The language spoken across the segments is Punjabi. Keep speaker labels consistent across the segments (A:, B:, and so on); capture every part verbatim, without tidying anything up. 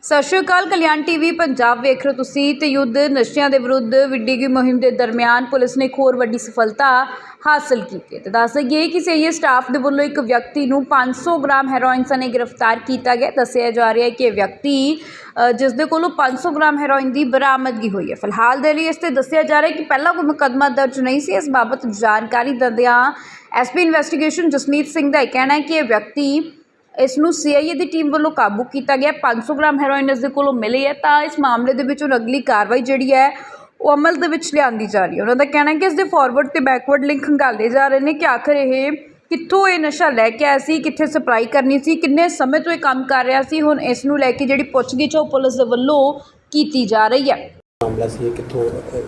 A: ਸਤਿ ਸ਼੍ਰੀ ਅਕਾਲ। ਕਲਿਆਣ ਟੀਵੀ ਪੰਜਾਬ ਵੇਖ ਰਹੇ ਤੁਸੀਂ ਤੇ ਯੁੱਧ ਨਸ਼ਿਆਂ ਦੇ ਵਿਰੁੱਧ ਵਿੱਢੀ ਗਈ ਮੁਹਿੰਮ ਦੇ ਦਰਮਿਆਨ ਪੁਲਿਸ ਨੇ ਇੱਕ ਹੋਰ ਵੱਡੀ ਸਫਲਤਾ ਹਾਸਲ ਕੀਤੀ ਹੈ ਤੇ ਦੱਸ ਦਈਏ ਕਿ ਸੀਆਈਏ ਸਟਾਫ ਦੇ ਵੱਲੋਂ ਇੱਕ ਵਿਅਕਤੀ ਨੂੰ ਪੰਜ ਸੌ ਗ੍ਰਾਮ ਹੈਰੋਇਨ ਸਣੇ ਗ੍ਰਿਫਤਾਰ ਕੀਤਾ ਗਿਆ। ਦੱਸਿਆ ਜਾ ਰਿਹਾ ਹੈ ਕਿ ਇਹ ਵਿਅਕਤੀ ਜਿਸ ਦੇ ਕੋਲੋਂ ਪੰਜ ਸੌ ਗ੍ਰਾਮ ਹੈਰੋਇਨ ਦੀ ਬਰਾਮਦਗੀ ਹੋਈ ਹੈ। ਫਿਲਹਾਲ ਦੇ ਲਈ ਇਸ ਤੇ ਦੱਸਿਆ ਜਾ ਰਿਹਾ ਹੈ ਕਿ ਪਹਿਲਾਂ ਕੋਈ ਮੁਕੱਦਮਾ ਦਰਜ ਨਹੀਂ ਸੀ। ਇਸ ਬਾਬਤ ਜਾਣਕਾਰੀ ਦਿੰਦਿਆਂ ਐਸਪੀ ਇਨਵੈਸਟੀਗੇਸ਼ਨ ਜਸਮੀਤ ਸਿੰਘ ਦਾ ਇਹ ਕਹਿਣਾ ਹੈ ਕਿ ਇਹ ਵਿਅਕਤੀ ਇਸ ਨੂੰ ਸੀਆਈਏ ਦੀ ਟੀਮ ਵੱਲੋਂ ਕਾਬੂ ਕੀਤਾ ਗਿਆ। ਪੰਜ ਸੌ ਗ੍ਰਾਮ ਹੈਰੋਇਨ ਇਸ ਦੇ ਕੋਲੋਂ ਮਿਲੀ ਹੈ ਤਾਂ ਇਸ ਮਾਮਲੇ ਦੇ ਵਿੱਚ ਹੁਣ ਅਗਲੀ ਕਾਰਵਾਈ ਜਿਹੜੀ ਹੈ ਉਹ ਅਮਲ ਦੇ ਵਿੱਚ ਲਿਆਂਦੀ ਜਾ ਰਹੀ ਹੈ। ਉਹਨਾਂ ਦਾ ਕਹਿਣਾ ਹੈ ਕਿ ਇਸ ਦੇ ਫਾਰਵਰਡ ਤੇ ਬੈਕਵਰਡ ਲਿੰਕ ਖੰਗਾਲੇ ਜਾ ਰਹੇ ਨੇ ਕਿ ਆਖਰ ਇਹ ਕਿੱਥੋਂ ਇਹ ਨਸ਼ਾ ਲੈ ਕੇ ਆਇਆ ਸੀ, ਕਿੱਥੇ ਸਪਲਾਈ ਕਰਨੀ ਸੀ, ਕਿੰਨੇ ਸਮੇਂ ਤੋਂ ਇਹ ਕੰਮ ਕਰ ਰਿਹਾ ਸੀ। ਹੁਣ ਇਸ ਨੂੰ ਲੈ ਕੇ ਜਿਹੜੀ ਪੁੱਛਗਿੱਛ ਉਹ ਪੁਲਿਸ ਦੇ ਵੱਲੋਂ ਕੀਤੀ ਜਾ ਰਹੀ ਹੈ।
B: ਮਾਮਲਾ ਸੀ ਕਿੱਥੋਂ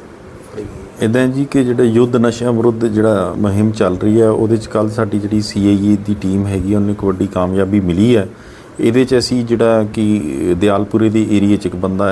C: ਇੱਦਾਂ ਜੀ ਕਿ ਜਿਹੜਾ ਯੁੱਧ ਨਸ਼ਿਆਂ ਵਿਰੁੱਧ ਜਿਹੜਾ ਮੁਹਿੰਮ ਚੱਲ ਰਹੀ ਹੈ ਉਹਦੇ 'ਚ ਕੱਲ੍ਹ ਸਾਡੀ ਜਿਹੜੀ ਸੀ ਆਈ ਏ ਦੀ ਟੀਮ ਹੈਗੀ ਉਹਨੂੰ ਇੱਕ ਵੱਡੀ ਕਾਮਯਾਬੀ ਮਿਲੀ ਹੈ। ਇਹਦੇ 'ਚ ਅਸੀਂ ਜਿਹੜਾ ਕਿ ਦਿਆਲਪੁਰੇ ਦੇ ਏਰੀਏ 'ਚ ਇੱਕ ਬੰਦਾ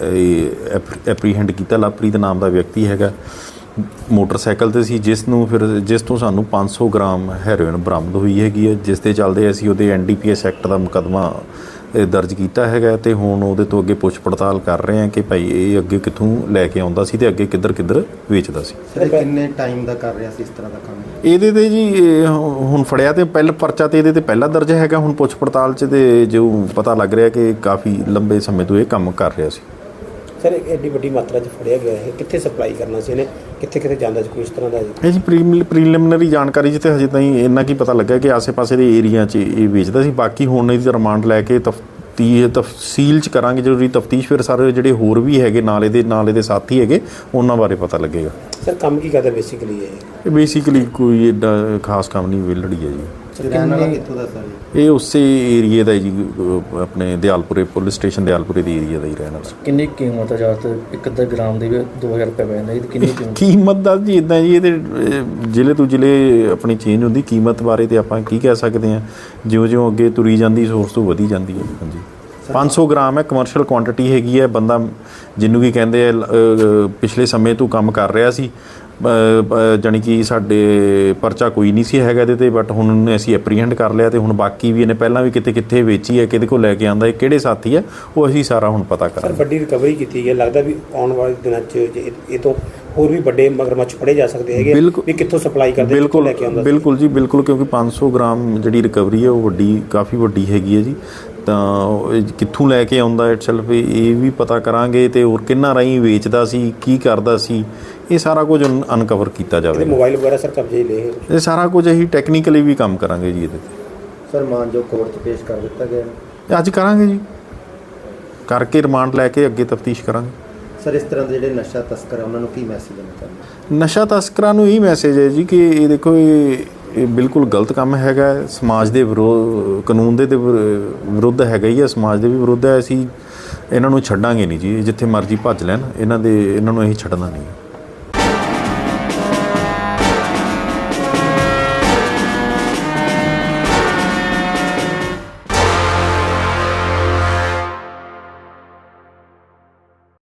C: ਐਪਰੀਹੈਂਡ ਕੀਤਾ। ਲਵਪ੍ਰੀਤ ਨਾਮ ਦਾ ਵਿਅਕਤੀ ਹੈਗਾ, ਮੋਟਰਸਾਈਕਲ 'ਤੇ ਸੀ, ਜਿਸ ਨੂੰ ਫਿਰ ਜਿਸ ਤੋਂ ਸਾਨੂੰ ਪੰਜ ਸੌ ਗ੍ਰਾਮ ਹੈਰੋਇਨ ਬਰਾਮਦ ਹੋਈ ਹੈਗੀ ਹੈ, ਜਿਸ ਦੇ ਚੱਲਦੇ ਅਸੀਂ ਉਹਦੇ N D P S act ਦਾ ਮੁਕੱਦਮਾ ਦਰਜ ਕੀਤਾ ਹੈਗਾ ਅਤੇ ਹੁਣ ਉਹਦੇ ਤੋਂ ਅੱਗੇ ਪੁੱਛ ਪੜਤਾਲ ਕਰ ਰਹੇ ਹਾਂ ਕਿ ਭਾਈ ਇਹ ਅੱਗੇ ਕਿੱਥੋਂ ਲੈ ਕੇ ਆਉਂਦਾ ਸੀ ਅਤੇ ਅੱਗੇ ਕਿੱਧਰ ਕਿੱਧਰ ਵੇਚਦਾ ਸੀ।
B: ਸਰ ਕਿੰਨੇ ਟਾਈਮ ਦਾ ਕਰ ਰਿਹਾ ਸੀ ਇਸ ਤਰ੍ਹਾਂ ਦਾ ਕੰਮ?
C: ਇਹਦੇ 'ਤੇ ਜੀ ਹੁਣ ਫੜਿਆ ਤੇ ਪਹਿਲਾਂ ਪਰਚਾ ਤੇ ਇਹਦੇ 'ਤੇ ਪਹਿਲਾ ਦਰਜ ਹੈਗਾ। ਹੁਣ ਪੁੱਛ ਪੜਤਾਲ 'ਚ ਤੇ ਜੋ ਪਤਾ ਲੱਗ ਰਿਹਾ ਕਿ ਕਾਫੀ ਲੰਬੇ ਸਮੇਂ ਤੋਂ ਇਹ ਕੰਮ ਕਰ ਰਿਹਾ ਸੀ।
B: ਸਰ ਐਡੀ ਵੱਡੀ ਮਾਤਰਾ 'ਚ ਫੜਿਆ ਗਿਆ ਹੈ, ਕਿੱਥੇ ਸਪਲਾਈ ਕਰਨਾ ਸੀ ਇਹਨੇ, ਕਿੱਥੇ ਕਿੱਥੇ ਜਾਂਦਾ ਸੀ, ਕੋਈ ਇਸ ਤਰ੍ਹਾਂ ਦਾ?
C: ਇਹ ਜੀ ਪ੍ਰੀ ਪ੍ਰੀਲਿਮਿਨਰੀ ਜਾਣਕਾਰੀ 'ਚ ਤਾਂ ਹਜੇ ਤਾਈਂ ਇੰਨਾ ਕੀ ਪਤਾ ਲੱਗਾ ਕਿ ਆਸੇ ਪਾਸੇ ਦੇ ਏਰੀਆ 'ਚ ਇਹ ਵੇਚਦਾ ਸੀ। ਬਾਕੀ ਹੁਣ ਇਹਦੀ ਰਿਮਾਂਡ ਲੈ ਕੇ ਤਫਤੀ ਤਫਸੀਲ 'ਚ ਕਰਾਂਗੇ ਜ਼ਰੂਰੀ ਤਫਤੀਸ਼। ਫਿਰ ਸਾਰੇ ਜਿਹੜੇ ਹੋਰ ਵੀ ਹੈਗੇ ਨਾਲ ਇਹਦੇ ਨਾਲ ਇਹਦੇ ਸਾਥੀ ਹੈਗੇ ਉਹਨਾਂ ਬਾਰੇ ਪਤਾ ਲੱਗੇਗਾ।
B: ਸਰ ਕੰਮ ਕੀ ਕਰਦਾ ਬੇਸਿਕਲੀ? ਇਹ
C: ਇਹ ਬੇਸਿਕਲੀ ਕੋਈ ਐਡਾ ਖਾਸ ਕੰਮ ਨਹੀਂ, ਵਿਹਲੜੀ ਹੈ ਜੀ।
B: ਕਿੱਥੋਂ ਦਾ ਸਰ?
C: ਇਹ ਉਸੇ ਏਰੀਏ ਦਾ ਜੀ, ਆਪਣੇ ਦਿਆਲਪੁਰੇ ਪੁਲਿਸ ਸਟੇਸ਼ਨ ਦਿਆਲਪੁਰੇ ਦੇ ਏਰੀਆ ਦਾ ਹੀ ਰਹਿਣ ਵਾਲਾ।
D: ਕਿੰਨੀ ਕੀਮਤ ਹੈ? ਜ਼ਿਆਦਾਤਰ ਇੱਕ ਅੱਧਾ ਗ੍ਰਾਮ ਦੀ ਵੀ ਦੋ ਹਜ਼ਾਰ ਰੁਪਏ ਪੈ ਜਾਂਦਾ। ਇਹਦੀ ਕਿੰਨੀ ਕੀਮਤ?
C: ਕੀਮਤ ਦਾ ਜੀ ਇੱਦਾਂ ਜੀ, ਇਹਦੇ ਜ਼ਿਲ੍ਹੇ ਤੋਂ ਜ਼ਿਲ੍ਹੇ ਆਪਣੀ ਚੇਂਜ ਹੁੰਦੀ। ਕੀਮਤ ਬਾਰੇ ਤਾਂ ਆਪਾਂ ਕੀ ਕਹਿ ਸਕਦੇ ਹਾਂ, ਜਿਉਂ ਜਿਉਂ ਅੱਗੇ ਤੁਰੀ ਜਾਂਦੀ ਸੋਰਸ ਤੋਂ ਵਧੀ ਜਾਂਦੀ ਹੈ। ਹਾਂਜੀ, ਪੰਜ ਸੌ ਗ੍ਰਾਮ ਹੈ, ਕਮਰਸ਼ੀਅਲ ਕੁਆਂਟਿਟੀ ਹੈਗੀ ਹੈ। ਬੰਦਾ ਜਿਹਨੂੰ ਕੀ ਕਹਿੰਦੇ ਆ ਪਿਛਲੇ ਸਮੇਂ ਤੋਂ ਕੰਮ ਕਰ ਰਿਹਾ ਸੀ, ਜਾਣੀ ਕਿ ਸਾਡੇ ਪਰਚਾ ਕੋਈ ਨਹੀਂ ਸੀ ਹੈਗਾ ਇਹਦੇ 'ਤੇ, ਬਟ ਹੁਣ ਅਸੀਂ ਐਪਰੀਹੈਂਡ ਕਰ ਲਿਆ ਅਤੇ ਹੁਣ ਬਾਕੀ ਵੀ ਇਹਨੇ ਪਹਿਲਾਂ ਵੀ ਕਿਤੇ ਕਿੱਥੇ ਵੇਚੀ ਹੈ, ਕਿਹਦੇ ਕੋਲ ਲੈ ਕੇ ਆਉਂਦਾ, ਇਹ ਕਿਹੜੇ ਸਾਥੀ ਹੈ, ਉਹ ਅਸੀਂ ਸਾਰਾ ਹੁਣ ਪਤਾ ਕਰ।
B: ਸਰ ਵੱਡੀ ਰਿਕਵਰੀ ਕੀਤੀ ਹੈ, ਲੱਗਦਾ ਵੀ ਆਉਣ ਵਾਲੇ ਦਿਨਾਂ 'ਚ ਇਹ ਤੋਂ ਹੋਰ ਵੀ ਵੱਡੇ ਮਗਰਮੱਛ ਫੜੇ ਜਾ ਸਕਦੇ ਹੈਗੇ ਵੀ ਕਿੱਥੋਂ ਸਪਲਾਈ ਕਰਦੇ,
C: ਬਿਲਕੁਲ
B: ਲੈ ਕੇ ਆਉਂਦਾ?
C: ਬਿਲਕੁਲ ਜੀ, ਬਿਲਕੁਲ, ਕਿਉਂਕਿ ਪੰਜ ਸੌ ਗ੍ਰਾਮ ਜਿਹੜੀ ਰਿਕਵਰੀ ਹੈ ਉਹ ਵੱਡੀ ਕਾਫੀ ਵੱਡੀ ਹੈਗੀ ਹੈ ਜੀ। ਤਾਂ ਕਿੱਥੋਂ ਲੈ ਕੇ ਆਉਂਦਾ ਇਟਸੈਲਫ ਇਹ ਵੀ ਪਤਾ ਕਰਾਂਗੇ ਅਤੇ ਹੋਰ ਕਿੰਨਾ ਰਾਹੀਂ ਵੇਚਦਾ ਸੀ, ਕੀ ਕਰਦਾ ਸੀ, ਇਹ ਸਾਰਾ ਕੁਝ ਅਨਕਵਰ ਕੀਤਾ ਜਾਵੇ।
B: ਮੋਬਾਈਲ ਵਗੈਰਾ ਸਰ ਕਬਜ਼ੇ ਲਏ?
C: ਇਹ ਸਾਰਾ ਕੁਝ ਅਸੀਂ ਟੈਕਨੀਕਲੀ ਵੀ ਕੰਮ ਕਰਾਂਗੇ ਜੀ ਇਹਦੇ 'ਤੇ।
B: ਸਰ ਮਾਨਯੋਗ ਕੋਰਟ 'ਚ ਪੇਸ਼ ਕਰ ਦਿੱਤਾ ਗਿਆ?
C: ਅੱਜ ਕਰਾਂਗੇ ਜੀ, ਕਰਕੇ ਰਿਮਾਂਡ ਲੈ ਕੇ ਅੱਗੇ ਤਫਤੀਸ਼ ਕਰਾਂਗੇ।
B: ਸਰ ਇਸ ਤਰ੍ਹਾਂ ਦੇ ਜਿਹੜੇ ਨਸ਼ਾ ਤਸਕਰ ਆ ਉਹਨਾਂ ਨੂੰ ਕੀ ਮੈਸੇਜ ਦੇਣਾ ਚਾਹੁੰਦੇ?
C: ਨਸ਼ਾ ਤਸਕਰਾਂ ਨੂੰ ਇਹ ਮੈਸੇਜ ਹੈ ਜੀ ਕਿ ਇਹ ਦੇਖੋ ਇਹ ਇਹ ਬਿਲਕੁਲ ਗਲਤ ਕੰਮ ਹੈਗਾ, ਸਮਾਜ ਦੇ ਵਿਰੋਧ, ਕਾਨੂੰਨ ਦੇ ਵਿਰੁੱਧ ਹੈਗਾ ਹੀ ਹੈ, ਸਮਾਜ ਦੇ ਵੀ ਵਿਰੁੱਧ ਹੈ। ਅਸੀਂ ਇਹਨਾਂ ਨੂੰ ਛੱਡਾਂਗੇ ਨਹੀਂ ਜੀ, ਜਿੱਥੇ ਮਰਜ਼ੀ ਭੱਜ ਲੈਣ, ਇਹਨਾਂ ਦੇ ਇਹਨਾਂ ਨੂੰ ਅਸੀਂ ਛੱਡਣਾ ਨਹੀਂ।